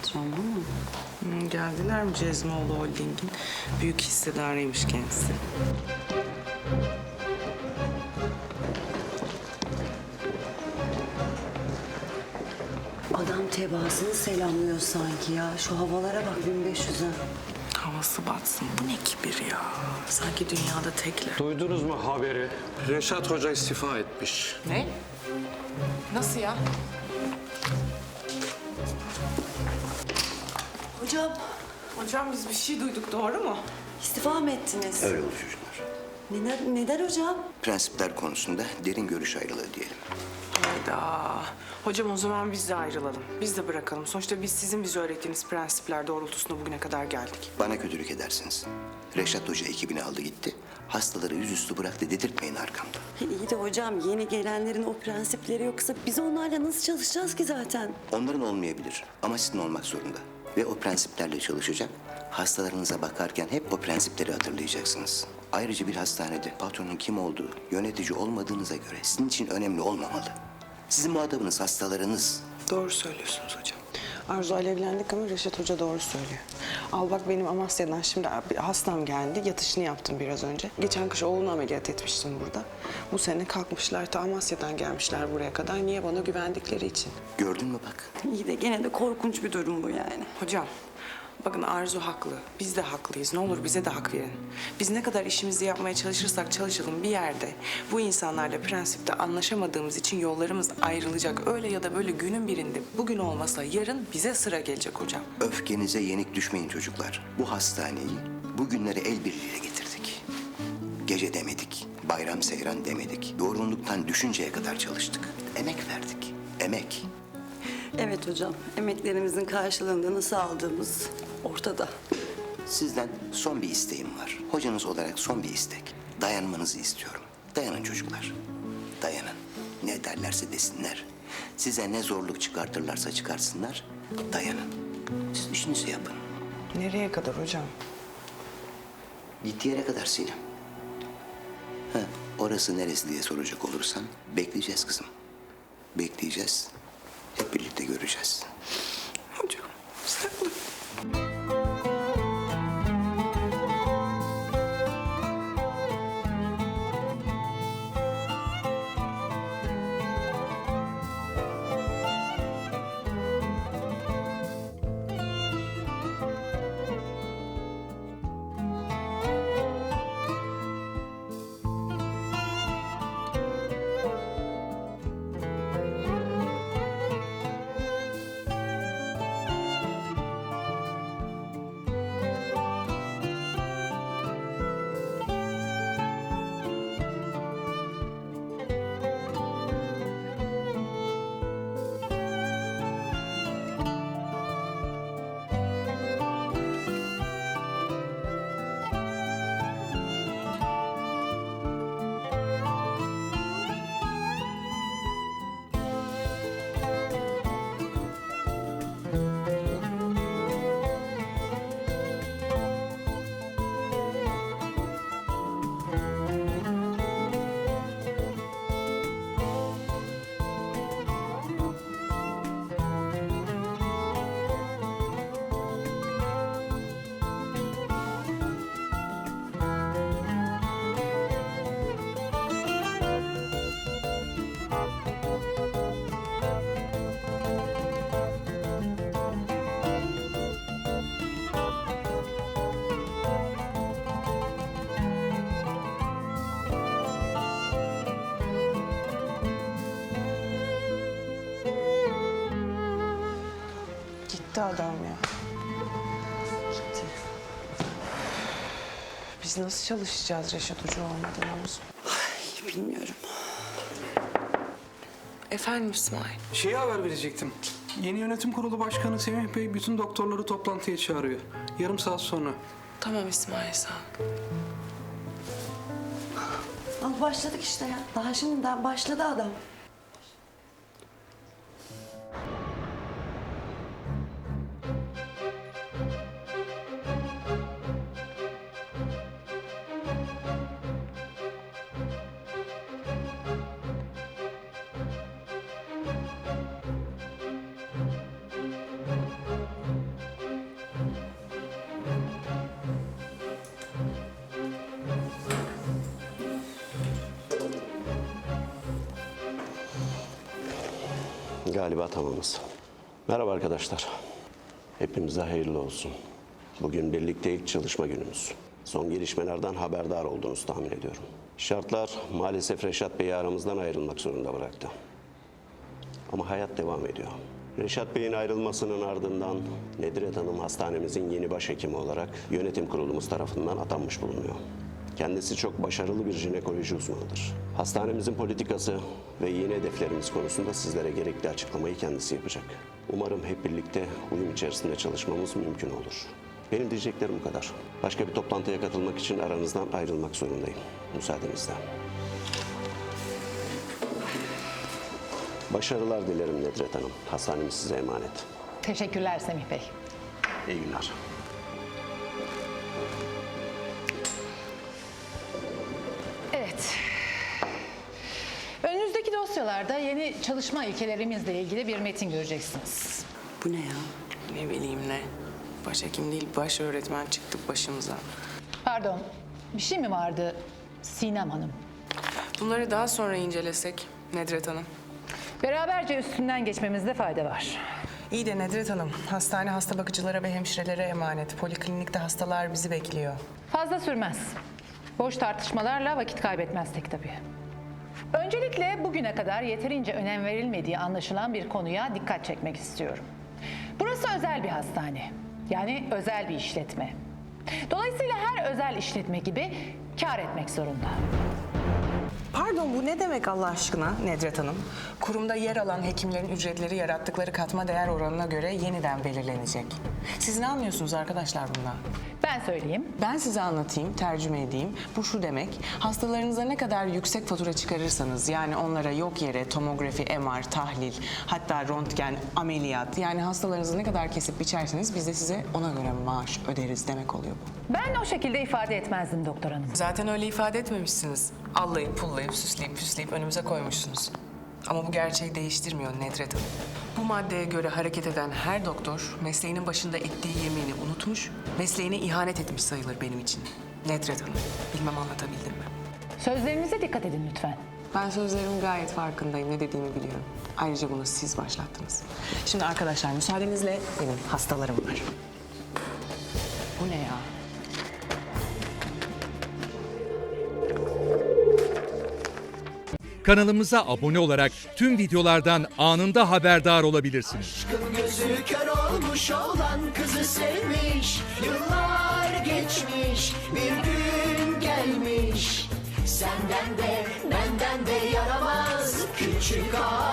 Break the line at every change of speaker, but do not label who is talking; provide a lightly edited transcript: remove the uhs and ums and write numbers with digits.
Tamam.
Geldiler mi Cezmoğlu Holding'in büyük hissedarıymış kendisi.
Adam tebaasını selamlıyor sanki ya. Şu havalara bak 1500'e.
Havası batsın. Bu ne kibir ya? Sanki dünyada tekler.
Duydunuz mu haberi? Reşat Hoca istifa etmiş.
Ne? Nasıl ya?
Hocam
Hocam biz bir şey duyduk, doğru mu?
istifa mı ettiniz?
Öyle oldu çocuklar.
Neden hocam?
Prensipler konusunda derin görüş ayrılığı diyelim.
Hayda. Hocam o zaman biz de ayrılalım. Biz de bırakalım. Sonuçta biz sizin bize öğrettiğiniz prensipler doğrultusunda bugüne kadar geldik.
Bana kötülük edersiniz. Reşat Hoca ekibini aldı gitti. Hastaları yüzüstü bıraktı dedirtmeyin arkamda.
İyi de hocam yeni gelenlerin o prensipleri yoksa biz onlarla nasıl çalışacağız ki zaten?
Onların olmayabilir ama sizin olmak zorunda. Ve o prensiplerle çalışacak. Hastalarınıza bakarken hep o prensipleri hatırlayacaksınız. Ayrıca bir hastanede patronun kim olduğu, yönetici olmadığınıza göre sizin için önemli olmamalı. Sizin muhatabınız hastalarınız.
Doğru söylüyorsunuz hocam. Arzu alevlendik ama Reşat Hoca doğru söylüyor. Al bak benim Amasya'dan şimdi bir hastam geldi. Yatışını yaptım biraz önce. Geçen kış oğlunu ameliyat etmiştim burada. Bu sene kalkmışlar ta Amasya'dan gelmişler buraya kadar. Niye? Bana güvendikleri için.
Gördün mü bak?
İyi de gene de korkunç bir durum bu yani.
Hocam bakın Arzu haklı. Biz de haklıyız. Ne olur bize de hak verin. Biz ne kadar işimizi yapmaya çalışırsak çalışalım bir yerde bu insanlarla prensipte anlaşamadığımız için yollarımız ayrılacak. Öyle ya da böyle günün birinde bugün olmasa yarın bize sıra gelecek hocam.
Öfkenize yenik düşmeyin çocuklar. Bu hastaneyi bugünlere el birliğiyle getirdik. Gece demedik, bayram seyran demedik. Yorgunluktan düşünceye kadar çalıştık. Emek verdik, emek.
Evet hocam emeklerimizin karşılığında nasıl aldığımız ortada.
Sizden son bir isteğim var. Hocanız olarak son bir istek. Dayanmanızı istiyorum. Dayanın çocuklar. Dayanın. Ne derlerse desinler. Size ne zorluk çıkartırlarsa çıkarsınlar. Dayanın. Siz işinizi yapın.
Nereye kadar hocam?
Gittiği yere kadar Sinem. Ha, orası neresi diye soracak olursan bekleyeceğiz kızım. Bekleyeceğiz. Hep birlikte göreceğiz.
Hocam sen gitti adam ya. Gitti. Biz nasıl çalışacağız Reşat Hoca olmadan Arzu?
Bilmiyorum.
Efendim İsmail.
Şeye haber verecektim. Yeni yönetim kurulu başkanı Semih Bey bütün doktorları toplantıya çağırıyor. Yarım saat sonra.
Tamam İsmail sağ ol.
Al başladık işte ya. Daha şimdiden başladı adam.
Galiba tamamız. Merhaba arkadaşlar. Hepimize hayırlı olsun. Bugün birlikte ilk çalışma günümüz. Son gelişmelerden haberdar olduğunuzu tahmin ediyorum. Şartlar maalesef Reşat Bey'i aramızdan ayrılmak zorunda bıraktı. Ama hayat devam ediyor. Reşat Bey'in ayrılmasının ardından Nedret Hanım hastanemizin yeni başhekimi olarak yönetim kurulumuz tarafından atanmış bulunuyor. Kendisi çok başarılı bir jinekoloji uzmanıdır. Hastanemizin politikası ve yeni hedeflerimiz konusunda sizlere gerekli açıklamayı kendisi yapacak. Umarım hep birlikte uyum içerisinde çalışmamız mümkün olur. Benim diyeceklerim bu kadar. Başka bir toplantıya katılmak için aranızdan ayrılmak zorundayım. Müsaadenizle. Başarılar dilerim Nedret Hanım. Hastanemiz size emanet.
Teşekkürler Semih Bey.
İyi günler.
Evet. Önünüzdeki dosyalarda yeni çalışma ilkelerimizle ilgili bir metin göreceksiniz.
Bu ne ya?
Ne bileyim ne. Başhekim değil, baş öğretmen çıktı başımıza.
Pardon, bir şey mi vardı Sinem Hanım?
Bunları daha sonra incelesek Nedret Hanım.
Beraberce üstünden geçmemizde fayda var.
İyi de Nedret Hanım, hastane hasta bakıcılara ve hemşirelere emanet. Poliklinikte hastalar bizi bekliyor.
Fazla sürmez. Boş tartışmalarla vakit kaybetmezsek tabii. Öncelikle bugüne kadar yeterince önem verilmediği anlaşılan bir konuya dikkat çekmek istiyorum. Burası özel bir hastane. Yani özel bir işletme. Dolayısıyla her özel işletme gibi kâr etmek zorunda.
Pardon, bu ne demek Allah aşkına Nedret Hanım? Kurumda yer alan hekimlerin ücretleri yarattıkları katma değer oranına göre yeniden belirlenecek. Siz ne anlıyorsunuz arkadaşlar bundan?
Ben söyleyeyim.
Ben size anlatayım, tercüme edeyim. Bu şu demek, hastalarınıza ne kadar yüksek fatura çıkarırsanız, yani onlara yok yere tomografi, MR, tahlil, hatta röntgen, ameliyat, yani hastalarınızı ne kadar kesip biçerseniz biz de size ona göre maaş öderiz demek oluyor bu.
Ben o şekilde ifade etmezdim doktor hanım.
Zaten öyle ifade etmemişsiniz. Allayıp pullayıp süsleyip püsleyip önümüze koymuşsunuz. Ama bu gerçeği değiştirmiyor Nedret Hanım. Bu maddeye göre hareket eden her doktor mesleğinin başında ettiği yemini unutmuş, mesleğine ihanet etmiş sayılır benim için. Nedret Hanım, bilmem anlatabildim mi?
Sözlerinize dikkat edin lütfen.
Ben sözlerimin gayet farkındayım, ne dediğimi biliyorum. Ayrıca bunu siz başlattınız. Şimdi arkadaşlar müsaadenizle benim hastalarım var. Bu ne ya?
Kanalımıza abone olarak tüm videolardan anında haberdar olabilirsiniz.
Gözü kör olmuş olan kızı sevmiş. Yıllar geçmiş, bir gün gelmiş. Senden de benden de yaramaz küçük ağa.